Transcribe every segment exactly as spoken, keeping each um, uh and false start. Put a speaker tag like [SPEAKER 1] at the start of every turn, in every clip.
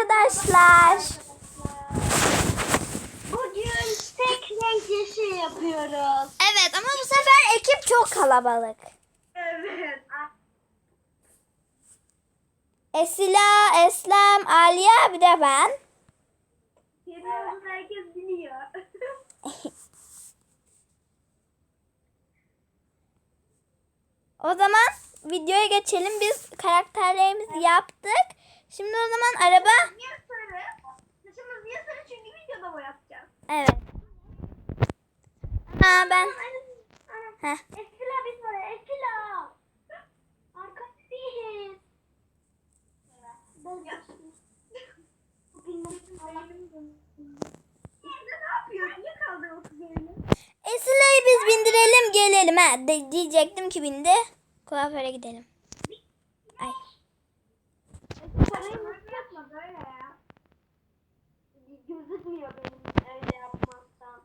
[SPEAKER 1] arkadaşlar.
[SPEAKER 2] Bugün tek renk yeşil yapıyoruz.
[SPEAKER 1] Evet ama bu sefer ekip çok kalabalık.
[SPEAKER 2] Evet.
[SPEAKER 1] Esila, Eslem, Aliye bir de ben.
[SPEAKER 2] Senin olduğunu herkes biliyor.
[SPEAKER 1] O zaman videoya geçelim. Biz karakterlerimizi yaptık. Şimdi o zaman araba...
[SPEAKER 2] Niye sarı? Saçımız niye sarı? Çünkü videoda boyatacağız.
[SPEAKER 1] Evet. Ha ben... Heh.
[SPEAKER 2] Eskila biz var ya. Eskila. Arkadaşız. Ben yaşlıyım. İşte ne yapıyor? Niye kaldı o kız öyle?
[SPEAKER 1] Esila'yı biz bindirelim gelelim. Ha, de, diyecektim ki bindi. Kuaföre gidelim. Ay.
[SPEAKER 2] Parayı nasıl yapma böyle ya? Gözükmüyor benim öyle yapmazsam.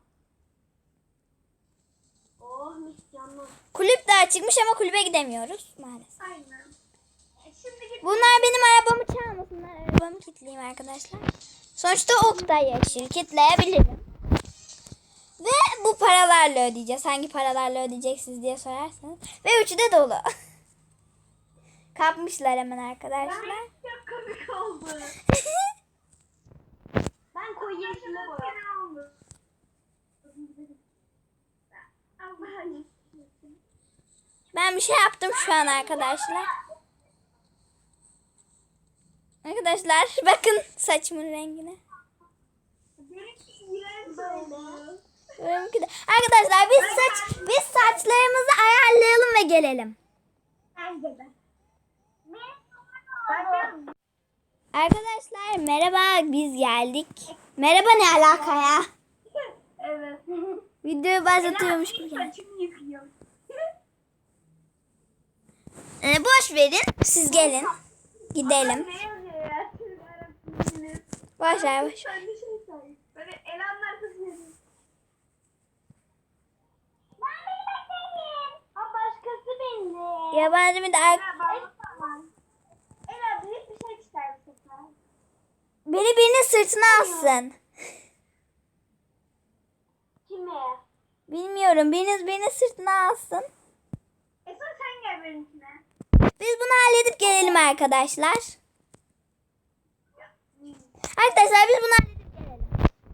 [SPEAKER 2] Oh mis canım.
[SPEAKER 1] Kulüp daha çıkmış ama kulübe gidemiyoruz maalesef.
[SPEAKER 2] Aynen. E, Şimdi git.
[SPEAKER 1] Bunlar benim arabamı çalmasınlar. Arabamı kilitleyeyim arkadaşlar. Sonuçta Oktay yeşil. Kilitleyebilirim. Ve bu paralarla ödeyeceğiz. Hangi paralarla ödeyeceksiniz diye sorarsanız. Ve üçü de dolu. Kapmışlar hemen arkadaşlar.
[SPEAKER 2] Ben çok komik oldu. Ben koyu yeşile boyadım. Allah'ım.
[SPEAKER 1] Ben bir şey yaptım şu an arkadaşlar. Arkadaşlar bakın saçımın rengine.
[SPEAKER 2] Benimki iğrenç oldu.
[SPEAKER 1] Benimki de- Arkadaşlar biz saç biz saçlarımızı ayarlayalım ve gelelim.
[SPEAKER 2] Bence de. Ben
[SPEAKER 1] Arkadaşlar merhaba biz geldik. Merhaba ne alaka ya?
[SPEAKER 2] Evet.
[SPEAKER 1] Videoyu başlatıyormuş gibi. geldi.
[SPEAKER 2] Saçımı yıkıyor.
[SPEAKER 1] Ee, boş verin siz gelin. Gidelim.
[SPEAKER 2] Ne yazıyor ya? Siz arasınız.
[SPEAKER 1] Boş ver boş ver.
[SPEAKER 2] Ben bir şey söyleyeyim. Böyle elanlar kızıyorsun. Ben benim benim. Ha başkası bindi.
[SPEAKER 1] Yabancı bir de ar-
[SPEAKER 2] Ela büyük bir şey ister bu sefer.
[SPEAKER 1] beni birinin sırtına alsın.
[SPEAKER 2] Kime?
[SPEAKER 1] Bilmiyorum biriniz birinin sırtına alsın.
[SPEAKER 2] Esra sen gel benimkine.
[SPEAKER 1] Biz bunu halledip gelelim arkadaşlar. Arkadaşlar biz bunu halledip gelelim.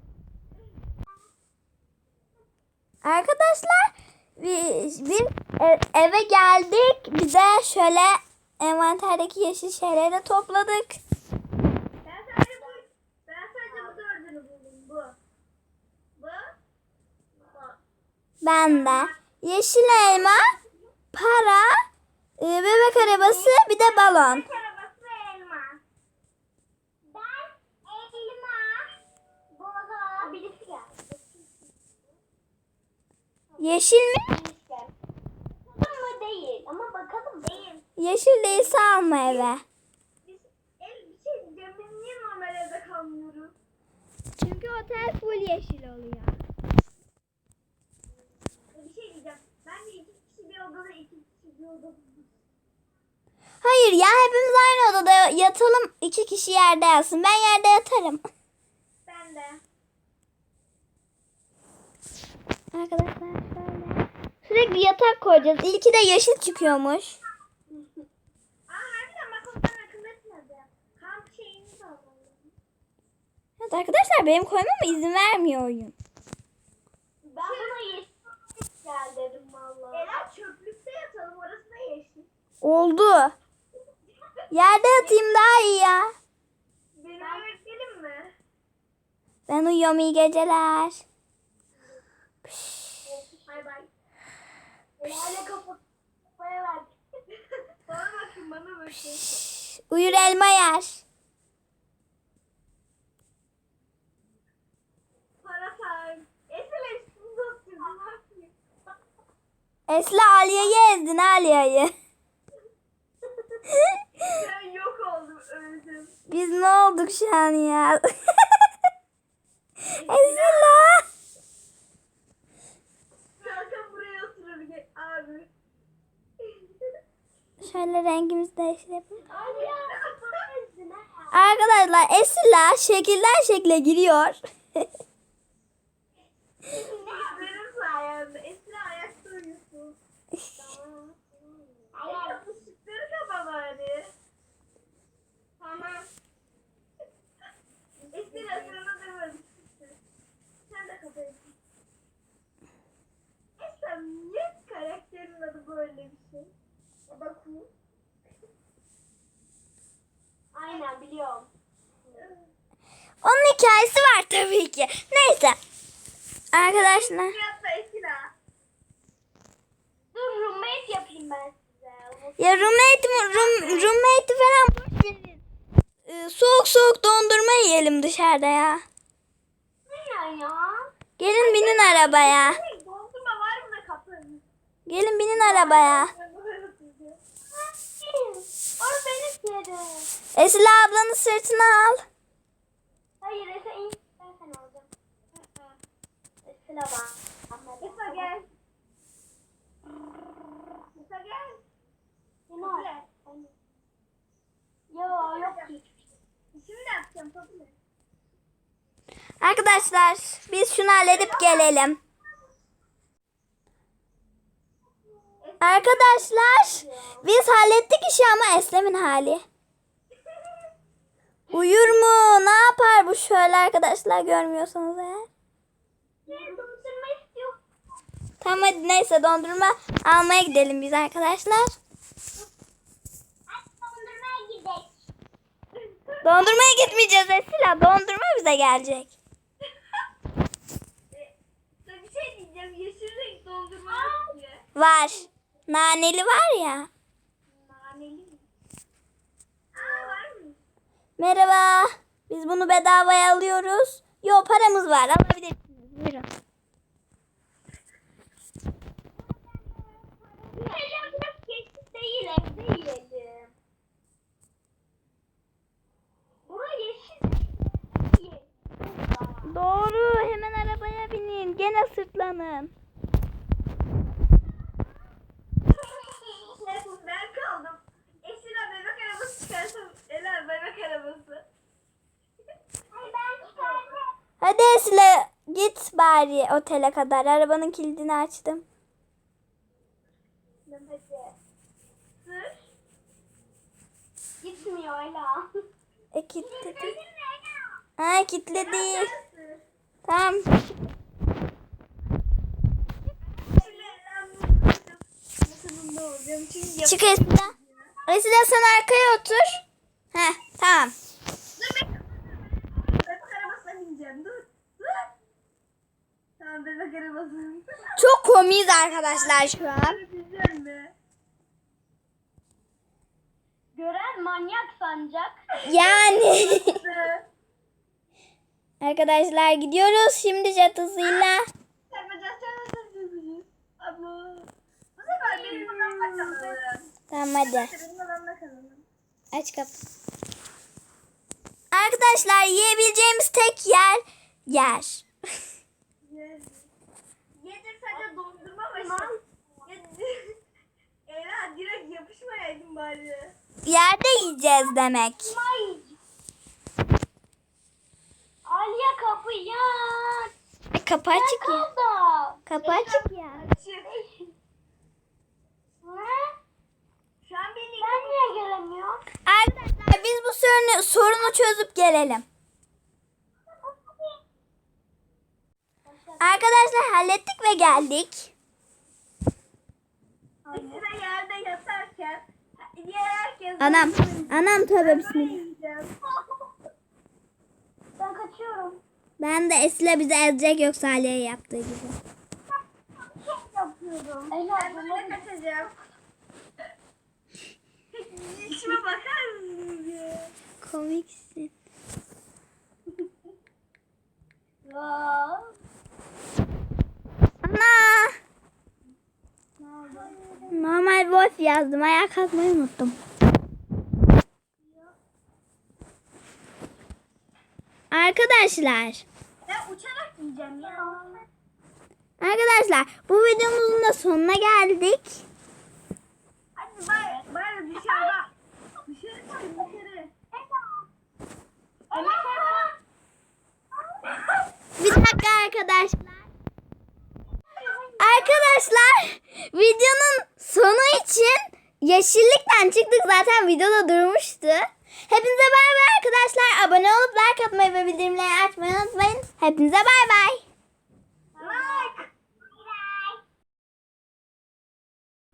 [SPEAKER 1] Arkadaşlar biz, biz e- eve geldik. Bize şöyle envanterdeki yeşil şeyleri topladık.
[SPEAKER 2] Ben sadece bu, ben sadece bu dördünü buldum. Bu. Bu. Bu.
[SPEAKER 1] Ben de yeşil elma, para, e, bebek arabası bir de balon.
[SPEAKER 2] Bebek arabası ve elma. Ben elma. Balon. Birisi geldi.
[SPEAKER 1] Yeşil mi?
[SPEAKER 2] Birisi geldi. Bakalım mı değil ama bakalım değil.
[SPEAKER 1] Yeşil değilse alma eve.
[SPEAKER 2] Biz, el, bir şey diyeceğim. Biz niye normal evde kalmıyoruz?
[SPEAKER 1] Çünkü otel full yeşil oluyor.
[SPEAKER 2] Bir şey diyeceğim. Bence iki kişi bir odada, iki kişi bir odada.
[SPEAKER 1] Hayır ya hepimiz aynı odada yatalım. İki kişi yerde yatsın. Ben yerde yatarım.
[SPEAKER 2] Ben de.
[SPEAKER 1] Arkadaşlar şöyle. Sürekli yatak koyacağız. İlki de yeşil çıkıyormuş.
[SPEAKER 2] Aa harbiden bak ondan akıl etmedi. Kamp şeyini de alalım.
[SPEAKER 1] Evet arkadaşlar benim koymama izin vermiyor oyun.
[SPEAKER 2] Ben buna yeşil gel dedim valla. Ela çöplükte yatalım orası da yeşil.
[SPEAKER 1] Oldu. Yerde yatayım daha iyi ya.
[SPEAKER 2] Benim eve gidelim mi?
[SPEAKER 1] Ben uyuyorum iyi geceler.
[SPEAKER 2] Bay bay. Ela'yla kapat. Kafaya ver. Bana bakın bana bakın.
[SPEAKER 1] Şşş, uyur elma yer.
[SPEAKER 2] Para time. Esra üstünde oturdum. Ne yapayım?
[SPEAKER 1] Esla Aliye'yi ezdin Aliye'yi.
[SPEAKER 2] Ben yok oldum öldüm.
[SPEAKER 1] Biz ne olduk şu an ya? Esla.
[SPEAKER 2] Kalkan buraya oturabilir abi.
[SPEAKER 1] Şöyle rengimizi değiştirelim.
[SPEAKER 2] Abi ya.
[SPEAKER 1] Arkadaşlar Esila şekilden şekle giriyor.
[SPEAKER 2] Benim sayemde. Esra ayakta uyusun. Tamam. Esra ışıkları kapa bari. Tamam. Esra sana demedim. Sen de kapayasın. Esra niye karakterin adı böyle bir şey? Bakın. Aynen biliyorum.
[SPEAKER 1] Onun hikayesi var tabii ki. Neyse. Arkadaşlar.
[SPEAKER 2] Yapma Esra. Dur roommate yapayım ben size.
[SPEAKER 1] Ya roommate, room, roommate falan boş verin. Ee, soğuk soğuk dondurma yiyelim dışarıda ya.
[SPEAKER 2] Ne ya?
[SPEAKER 1] Gelin binin arabaya.
[SPEAKER 2] Dondurma var mı da kapının?
[SPEAKER 1] Gelin binin arabaya.
[SPEAKER 2] Or benim yerim.
[SPEAKER 1] Esila ablanın sırtına al.
[SPEAKER 2] Hayır Efe in. Ben sen alacağım. Esra bak. Efe gel. Efe gel. Popüler. Yo yok ki. Şimdi yapacağım popüler.
[SPEAKER 1] Arkadaşlar biz şunu halledip gelelim. Arkadaşlar biz hallettik işi ama Eslem'in hali. Uyur mu? Ne yapar bu şöyle arkadaşlar görmüyorsanız eğer.
[SPEAKER 2] Dondurma istiyor.
[SPEAKER 1] Tamam hadi neyse dondurma almaya gidelim biz arkadaşlar.
[SPEAKER 2] Dondurmaya gidelim.
[SPEAKER 1] Dondurmaya gitmeyeceğiz Esila. Dondurma bize gelecek.
[SPEAKER 2] Bir şey diyeceğim. Yeşil renk dondurma istiyor.
[SPEAKER 1] Var. Naneli var ya.
[SPEAKER 2] Naneli mi? Aa var mı?
[SPEAKER 1] Merhaba. Biz bunu bedavaya alıyoruz. Yo paramız var. Alabilirsiniz. Buyurun.
[SPEAKER 2] Heyecan biraz geçti değil evde yiyelim. Bura yeşil. Yeşil.
[SPEAKER 1] Doğru. Hemen arabaya binin. Gene sırtlanın.
[SPEAKER 2] Ben kaldım. Esra bebek arabası çıkarsam Ela bebek arabası. Ay ben çıkardım.
[SPEAKER 1] Hadi Esila git bari otele kadar. Arabanın kilidini açtım.
[SPEAKER 2] Hadi. Sır. Gitmiyor Ela.
[SPEAKER 1] E kilitledi. Ha kilitledi. Tamam. Çık Esila. Esila sen arkaya otur. Heh tamam.
[SPEAKER 2] Bebek arabasına bineceğim. Dur. Dur. Tamam bebek arabasına.
[SPEAKER 1] Çok komiyiz arkadaşlar şu an.
[SPEAKER 2] Bineceğim mi? Gören manyak sanacak.
[SPEAKER 1] Yani. Arkadaşlar gidiyoruz şimdi jet hızıyla.
[SPEAKER 2] Yapacağız, yapacağız. Ama bu sefer benim odamda kalalım.
[SPEAKER 1] Tamam hadi.
[SPEAKER 2] Benim odamda kalalım.
[SPEAKER 1] Aç kapı. Arkadaşlar yiyebileceğimiz tek yer yer.
[SPEAKER 2] Yedir sadece dondurma başı. Yedir. Ela direkt yapışmayaydın bari.
[SPEAKER 1] Yerde yiyeceğiz demek.
[SPEAKER 2] Ay. Aliye kapıyı aç.
[SPEAKER 1] E, kapı açık ya.
[SPEAKER 2] Kaldı.
[SPEAKER 1] Kapı açık ya.
[SPEAKER 2] Açık. Ne? Şu an beni ben niye gelemiyorum?
[SPEAKER 1] Arkadaşlar biz bu sorunu, sorunu çözüp gelelim. Arkadaşlar hallettik ve geldik.
[SPEAKER 2] Sıra yerde yatarken diğer herkes
[SPEAKER 1] Anam. Anam tövbe bismillah.
[SPEAKER 2] yiyeceğim. Ben kaçıyorum.
[SPEAKER 1] Ben de Esile bizi ezecek yoksa Ali'ye yaptığı gibi.
[SPEAKER 2] Yapıyorum. Ben böyle kaçacağım. İşime bakar mısınız ya?
[SPEAKER 1] Komiksin.
[SPEAKER 2] Ya.
[SPEAKER 1] Ana. Normal voice yazdım. Ayağa kalkmayı unuttum. Arkadaşlar.
[SPEAKER 2] Ben uçarak yiyeceğim ya.
[SPEAKER 1] Arkadaşlar bu videomuzun da sonuna geldik.
[SPEAKER 2] Hadi bari, bari dışarıda. Dışarı çıkın dışarı.
[SPEAKER 1] arkadaşlar. Arkadaşlar videonun sonu için yeşillikten çıktık. Zaten videoda durmuştu. Hepinize bay bay arkadaşlar. Abone olup like atmayı ve bildirimleri açmayı unutmayın. Hepinize bay bay.